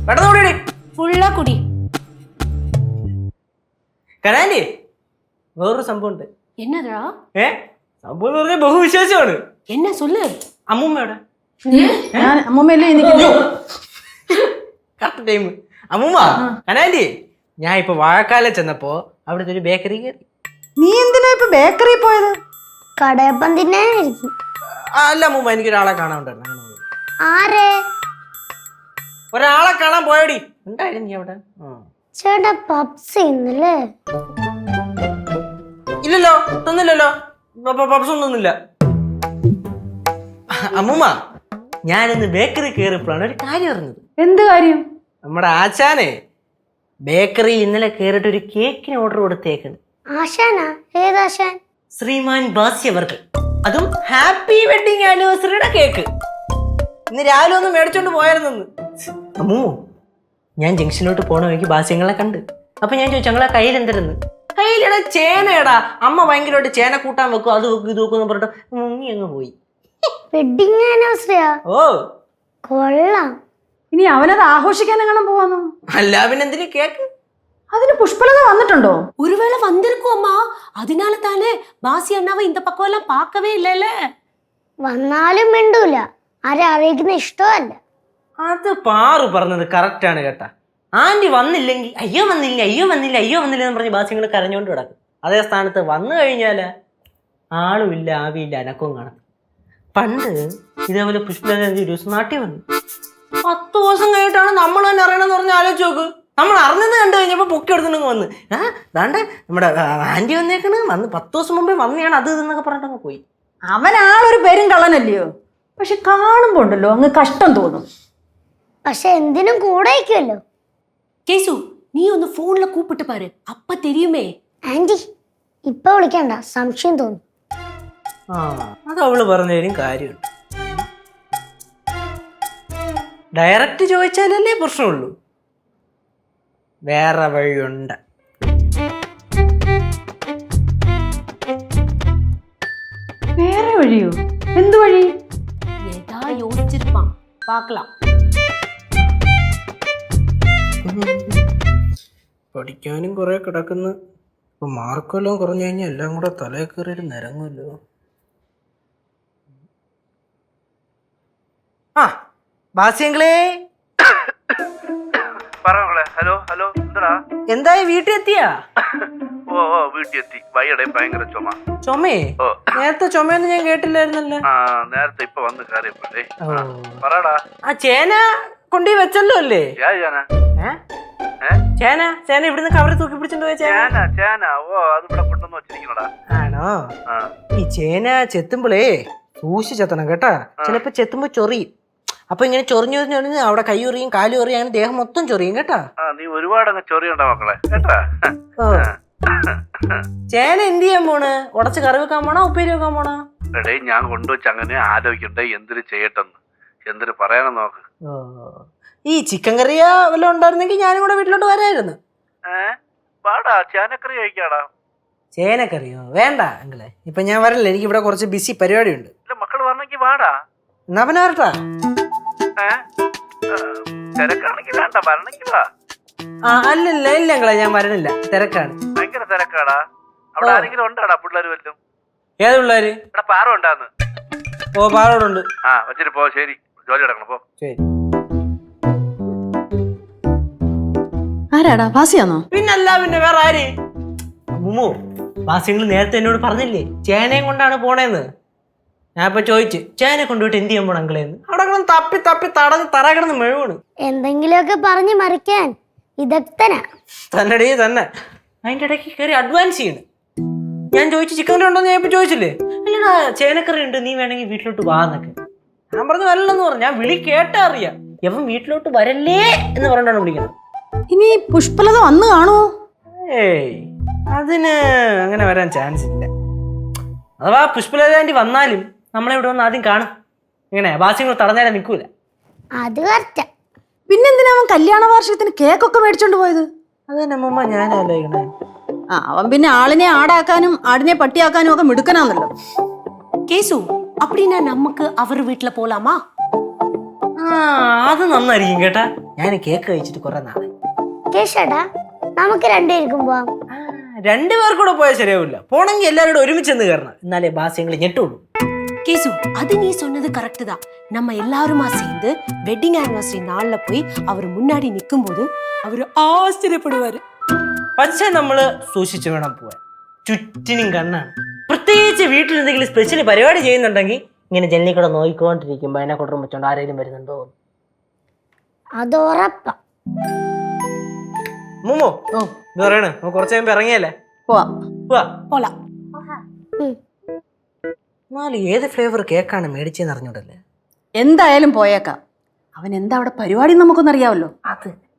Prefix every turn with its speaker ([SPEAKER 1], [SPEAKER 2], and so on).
[SPEAKER 1] പെട്ടെന്ന് കൂടി
[SPEAKER 2] ഫുള്ളാ കുടി.
[SPEAKER 1] കനാൻഡി വേറൊരു സംഭവം ഉണ്ട്.
[SPEAKER 2] എന്നതാ?
[SPEAKER 1] സംഭവം എന്ന് പറഞ്ഞാൽ ബഹുവിശേഷമാണ്.
[SPEAKER 2] എന്നെ சொல்லு.
[SPEAKER 1] അമ്മൂമ്മയുടെ
[SPEAKER 3] അമ്മൂമ്മയല്ലേ
[SPEAKER 1] കറക്റ്റ് ടൈം. അമ്മൂമ്മ കനാൻഡി, ഞാൻ ഇപ്പൊ വാഴക്കാലം ചെന്നപ്പോ അവിടുത്തെ ഒരു ബേക്കറി കയറി.
[SPEAKER 3] നീ എന്തിനാ ഇപ്പൊ ബേക്കറി പോയത്?
[SPEAKER 4] കടയപ്പം തിന്നാനായിരിക്കും.
[SPEAKER 1] അല്ല അമ്മൂമ്മ, എനിക്കൊരാളെ കാണാൻ ഉണ്ടായിരുന്നു.
[SPEAKER 4] ആരെ?
[SPEAKER 1] ഒരാളെ കാണാൻ പോയടി. ഉണ്ടായിരുന്നു നീ അവിടെ?
[SPEAKER 4] ചേട്ടാ പപ്സ് ഇന്നല്ലേ?
[SPEAKER 1] ഇല്ലല്ലോ, തന്നില്ലല്ലോ. പപ്സ് ഒന്നും തന്നില്ല. അമ്മൂമ്മ, ഞാനിന്ന് ബേക്കറി കയറിയപ്പോഴാണ് ഒരു കാര്യം അറിഞ്ഞത്.
[SPEAKER 3] എന്ത് കാര്യം?
[SPEAKER 1] നമ്മുടെ ആശാനെ ബേക്കറിയിൽ ഇന്നലെ കയറിയിട്ട് ഒരു കേക്കിന് ഓർഡർ കൊടുത്തേക്കുന്നു.
[SPEAKER 4] ആശാനാ? ഏതാശാൻ?
[SPEAKER 1] ശ്രീമാൻ ബാസ്യവർക്ക്. അതും ഹാപ്പി വെഡിങ് ആനിവേഴ്സറിയുടെ കേക്ക്. ഇന്ന് രാവിലെ ഒന്ന് മേടിച്ചോണ്ട് പോയായിരുന്നു. അമ്മൂ, ഞാൻ ജംഗ്ഷനിലോട്ട് പോണ വഴിക്ക് ബാസ്യങ്ങളെ കണ്ട്. അപ്പൊ ഞാൻ ചോദിച്ചു ഞങ്ങളെ കയ്യിൽ എന്തിരുന്ന്. കയ്യിലടാ ചേനയടാ. അമ്മ ഭയങ്കരമായിട്ട് ചേന കൂട്ടാൻ വെക്കും, അത് വെക്കും ഇത് വെക്കും എന്ന് പറഞ്ഞിട്ട് മുങ്ങി അങ്ങ് പോയി.
[SPEAKER 4] വെഡിങ് ആനിവേഴ്സറിയാ?
[SPEAKER 1] ഓ
[SPEAKER 4] കൊള്ളാം.
[SPEAKER 3] ഇനി അവനത് ആഘോഷിക്കാൻ എങ്ങനെ പോവാന്നോ?
[SPEAKER 1] അല്ല പിന്നെ എന്തിനു കേക്ക്?
[SPEAKER 3] അതിന് പുഷ്പലത വന്നിട്ടുണ്ടോ?
[SPEAKER 2] ஒருவேளை வந்திருக்கும் அம்மா. அதனால தானே பாசி அண்ணாவை இந்த பக்கம் எல்லாம் பார்க்கவே இல்லைல்ல.
[SPEAKER 4] വന്നാലും മിണ്ടൂല. ആരെ അറിയിക്കുന്ന ഇഷ്ടമല്ല.
[SPEAKER 1] അത് പാറു പറഞ്ഞത് കറക്റ്റ് ആണ് കേട്ടാ. ആന്റി വന്നില്ലെങ്കിൽ അയ്യോ വന്നില്ല അയ്യോ വന്നില്ല അയ്യോ വന്നില്ല എന്ന് പറഞ്ഞ് ബാസ്യങ്ങൾ കരഞ്ഞോണ്ട് കിടക്കും. അതേ സ്ഥാനത്ത് വന്നു കഴിഞ്ഞാല് ആളുമില്ല ആവിയില്ല അനക്കവും കാണും. പണ്ട് ഇതേപോലെ പുഷ്പലത ഒരു ദിവസം നാട്ടിൽ വന്നു. 10 ദിവസം കഴിഞ്ഞിട്ടാണ് നമ്മൾ തന്നെ അറിയണമെന്ന് പറഞ്ഞ് ആലോചിച്ച് നോക്ക്. നമ്മൾ അറിഞ്ഞത് കണ്ടു കഴിഞ്ഞപ്പോൾ പൊക്കി എടുത്തിട്ടുണ്ടെങ്കിൽ വന്ന് ദാണ്ട് നമ്മുടെ ആന്റി വന്നേക്കണ്, വന്ന് 10 ദിവസം മുമ്പേ വന്നെയാണ് അത് ഇതെന്നൊക്കെ പറഞ്ഞിട്ടങ്ങ് പോയി.
[SPEAKER 3] അവൻ ആളൊരു പേരും കള്ളനല്ലയോ, പക്ഷെ കാണുമ്പോ ഉണ്ടല്ലോ അങ്ങ് കഷ്ടം തോന്നും.
[SPEAKER 4] പക്ഷെ എന്തിനും കൂടെ അയക്കുമല്ലോ.
[SPEAKER 2] கேசு, நீ ഒന്ന് ഫോണിൽ കൂപ്പിട്ട് പാரு, അപ്പ தெரியுமே.
[SPEAKER 4] ആന്റി ഇപ്പൊ വിളിക്കണ്ട, സംശയം തോന്നും.
[SPEAKER 1] അത് അവള് പറഞ്ഞതിനും കാര്യമുണ്ട്. ഡയറക്റ്റ് ചോദിച്ചാലല്ലേ പ്രശ്നമുള്ളൂ. വേറെ വഴിയുണ്ട്.
[SPEAKER 3] വേറെ വഴിയോ? എന്ത് വഴി?
[SPEAKER 2] ஏதா யோசிச்சிருப்பான், பார்க்கலாம்.
[SPEAKER 1] പഠിക്കാനും കുറെ കിടക്കുന്നു. ഇപ്പൊ മാർക്കെല്ലാം കുറഞ്ഞു കഴിഞ്ഞാൽ എല്ലാം കൂടെ തലയിൽ കയറിയിട്ട് നിരങ്ങുമല്ലോ. ആ ബാസ്യങ്ങളെ,
[SPEAKER 5] ഹലോ ഹലോ, എന്താ
[SPEAKER 1] എന്തായി വീട്ടിൽ എത്തിയാ?
[SPEAKER 5] ഓ വീട്ടിൽ എത്തി. വൈകിടെ ഭയങ്കര
[SPEAKER 1] ചുമേ? നേരത്തെ ചുമയൊന്നും ഞാൻ കേട്ടില്ലായിരുന്നല്ലോ.
[SPEAKER 5] നേരത്തെ ഇപ്പൊ വന്ന് കയറിയപ്പോഴേ. പറടാ.
[SPEAKER 1] ആ ചേന കൊണ്ടുപോയി വെച്ചല്ലോ അല്ലേ? ചേന ചേന ഇവിടുന്ന് കവറി തൂക്കി പിടിച്ചോണ്ട് പോയ ചേന.
[SPEAKER 5] ഓ അത് ഇവിടെ കൊണ്ടുവന്ന് വെച്ചിരിക്കണടാ.
[SPEAKER 1] ആണോ? ഈ ചേന ചെത്തുമ്പോളേ സൂക്ഷിച്ച് ചെത്തണം കേട്ടാ. ചിലപ്പോ ചെത്തുമ്പോ ചൊറിയും. അപ്പൊ ഇങ്ങനെ ചൊറിഞ്ഞു ചൊറിഞ്ഞു അവിടെ കൈ ചൊറിയും കാല് ചൊറിയും, അങ്ങനെ ദേഹം മൊത്തം ചൊറിയും കേട്ടാ.
[SPEAKER 5] നീ ഒരുപാട് അങ്ങ് ചൊറിയണ്ട മക്കളെ കേട്ടാ.
[SPEAKER 1] ചേന എന്ത് ചെയ്യാൻ പോണ്? ഉടച്ച് കറി വെക്കാൻ പോണോ ഉപ്പേരി വെക്കാൻ പോണോ?
[SPEAKER 5] എടേ ഞാൻ കൊണ്ടുവച്ച് അങ്ങനെ ആലോചിക്കണ്ടേ എന്തിനു ചെയ്യട്ടെന്ന്, എന്തിനു പറയാനെന്ന് നോക്ക്.
[SPEAKER 1] ഈ ചിക്കൻ കറിയാ വല്ലതും ഉണ്ടായിരുന്നെങ്കിൽ ഞാനും കൂടെ വീട്ടിലോട്ട് വരായിരുന്നു.
[SPEAKER 5] പാടാ ചേനക്കറി കഴിക്കാടാ.
[SPEAKER 1] ചേനക്കറിയോ? വേണ്ട അങ്കിളെ, ഇപ്പൊ ഞാൻ വരല്ലേ, എനിക്ക് ഇവിടെ കുറച്ച് ബിസി പരിപാടി ഉണ്ട്.
[SPEAKER 5] മക്കള് പറഞ്ഞെങ്കിൽ വാടാ.
[SPEAKER 1] എന്നാ പിന്നെ വരട്ടാ.
[SPEAKER 5] തിരക്കാണെങ്കിൽ വേണ്ട, വരണമെങ്കിൽ വാ.
[SPEAKER 1] അല്ലല്ല ഇല്ല അങ്കിളെ, ഞാൻ വരണില്ല, തിരക്കാണ്.
[SPEAKER 5] ഭയങ്കര തിരക്കാടാ. അവിടെ ആരെങ്കിലും ഉണ്ടാടാ പിള്ളേര് വല്ലതും?
[SPEAKER 1] ഏത് പിള്ളേര്?
[SPEAKER 5] ഇവിടെ പാറ ഉണ്ടാന്ന്.
[SPEAKER 1] ഓ പാറോടുണ്ട്.
[SPEAKER 5] വെച്ചിട്ട് പോ. ശരി, ജോലി കിടക്കണം പോ.
[SPEAKER 1] ശരി.
[SPEAKER 3] ആരാടാ? ഭാസിയാണോ?
[SPEAKER 1] പിന്നല്ല, പിന്നെ വേറെ ആര്? മുമ്മു, ബാസ്യങ്ങൾ നേരത്തെ എന്നോട് പറഞ്ഞില്ലേ ചേനയും കൊണ്ടാണ് പോണേന്ന്. ഞാൻ ഇപ്പൊ ചോദിച്ചു ചേന കൊണ്ടുപോയിട്ട് എന്ത് ചെയ്യാൻ പോണ അങ്കിളേന്ന്. അവിടെ കിടന്ന് തപ്പി തപ്പി തടഞ്ഞ് തറ കിടന്ന് മെഴുവാണ്.
[SPEAKER 4] എന്തെങ്കിലുമൊക്കെ പറഞ്ഞ് മറിക്കാൻ വിദഗ്ധനാ.
[SPEAKER 1] തന്നെടേ തന്നെ. അതിന്റെ ഇടയ്ക്ക് കയറി അഡ്വാൻസ് ചെയ്യണ്. ഞാൻ ചോദിച്ചു ചിക്കൻ കറി ഉണ്ടോന്ന് ഞാൻ ഇപ്പൊ ചോദിച്ചില്ലേ. അല്ലടാ ചേനക്കറി ഉണ്ട്, നീ വേണമെങ്കിൽ വീട്ടിലോട്ട് വാ എന്നൊക്കെ. ഞാൻ പറഞ്ഞു വരല്ലെന്ന് പറഞ്ഞു. ഞാൻ വിളി കേട്ടാ അറിയാം. എവൻ വീട്ടിലോട്ട് വരല്ലേ എന്ന് പറഞ്ഞിട്ടാണ് വിളിക്കണം.
[SPEAKER 3] ഇനി പുഷ്പലത വന്ന് കാണുമോ?
[SPEAKER 1] ഏയ് അതിന് അങ്ങനെ വരാൻ ചാൻസ് ഇല്ല. അഥവാ പുഷ്പലതാൻറ്റി വന്നാലും നമ്മളെ ഇവിടെ വന്ന് ആദ്യം കാണും. ഇങ്ങനെ ബാസ്യങ്ങൾ തടഞ്ഞാലേ നിൽക്കൂല.
[SPEAKER 4] അത് കറക്റ്റാ.
[SPEAKER 3] പിന്നെന്തിനാ അവൻ കല്യാണ വാർഷികത്തിന് കേക്കൊക്കെ മേടിച്ചോണ്ട് പോയത്?
[SPEAKER 1] അത് തന്നെ അമ്മൂമ്മ ഞാൻ ആലോചിക്കണേ.
[SPEAKER 3] അവൻ പിന്നെ ആളിനെ ആടാക്കാനും ആടിനെ പട്ടിയാക്കാനും ഒക്കെ മിടുക്കനാന്നല്ലോ.
[SPEAKER 2] கேசு, அப்படின்னா நமக்கு அவர் வீட்டுல போலாமா?
[SPEAKER 1] അത് നന്നായിരിക്കും കേട്ടാ. ഞാൻ കേക്ക് കഴിച്ചിട്ട് കുറെ നാളെ.
[SPEAKER 4] കേശേട്ടാ നമുക്ക് രണ്ടുപേർക്കും പോവാം.
[SPEAKER 1] രണ്ടുപേർക്കും കൂടെ പോയാൽ ശരിയാവില്ല. പോണെങ്കിൽ എല്ലാവരോടും ഒരുമിച്ച് നിന്ന് കയറണം. എന്നാലേ ബാസ്യങ്ങൾ ഞെട്ടുള്ളൂ.
[SPEAKER 2] கேசு அது நீ சொன்னது கரெக்ட் தான். நம்ம எல்லாருமா சேர்ந்து வெட்டிங் ஆனிவர்சரி நாள்ல போய் அவர் முன்னாடி நிக்கும் போது அவரு ஆச்சரியப்படுவாரு.
[SPEAKER 1] പക്ഷേ നമ്മള് സൂക്ഷിച്ചു വേണം പോവാൻ. ചുറ്റിനും കണ്ണാണ്. പ്രത്യേകിച്ച് വീട്ടിൽ എന്തെങ്കിലും സ്പെഷ്യൽ പരിപാടി ചെയ്യുന്നുണ്ടെങ്കിൽ ഇങ്ങനെ ജനലിൽ കൂടെ നോക്കിക്കൊണ്ടിരിക്കുമ്പോ അതിനെ കൊണ്ടും വെച്ചോണ്ട് ആരെങ്കിലും വരുന്നുണ്ടോ.
[SPEAKER 4] അത് ഉറപ്പാ.
[SPEAKER 1] മുമ്മോ ഇത് പറയണ കുറച്ച് കഴിയുമ്പോ ഇറങ്ങിയല്ലേ
[SPEAKER 3] പോവാം.
[SPEAKER 1] പോവാ.
[SPEAKER 2] போலாம்.
[SPEAKER 1] എന്നാലും ഏത് ഫ്ലേവർ കേക്കാണ് മേടിച്ചെന്ന് അറിഞ്ഞൂടല്ലേ.
[SPEAKER 3] എന്തായാലും പോയേക്കാം. അവൻ എന്താ അവിടെ പരിപാടി നമുക്കൊന്നറിയാമല്ലോ.
[SPEAKER 1] അത്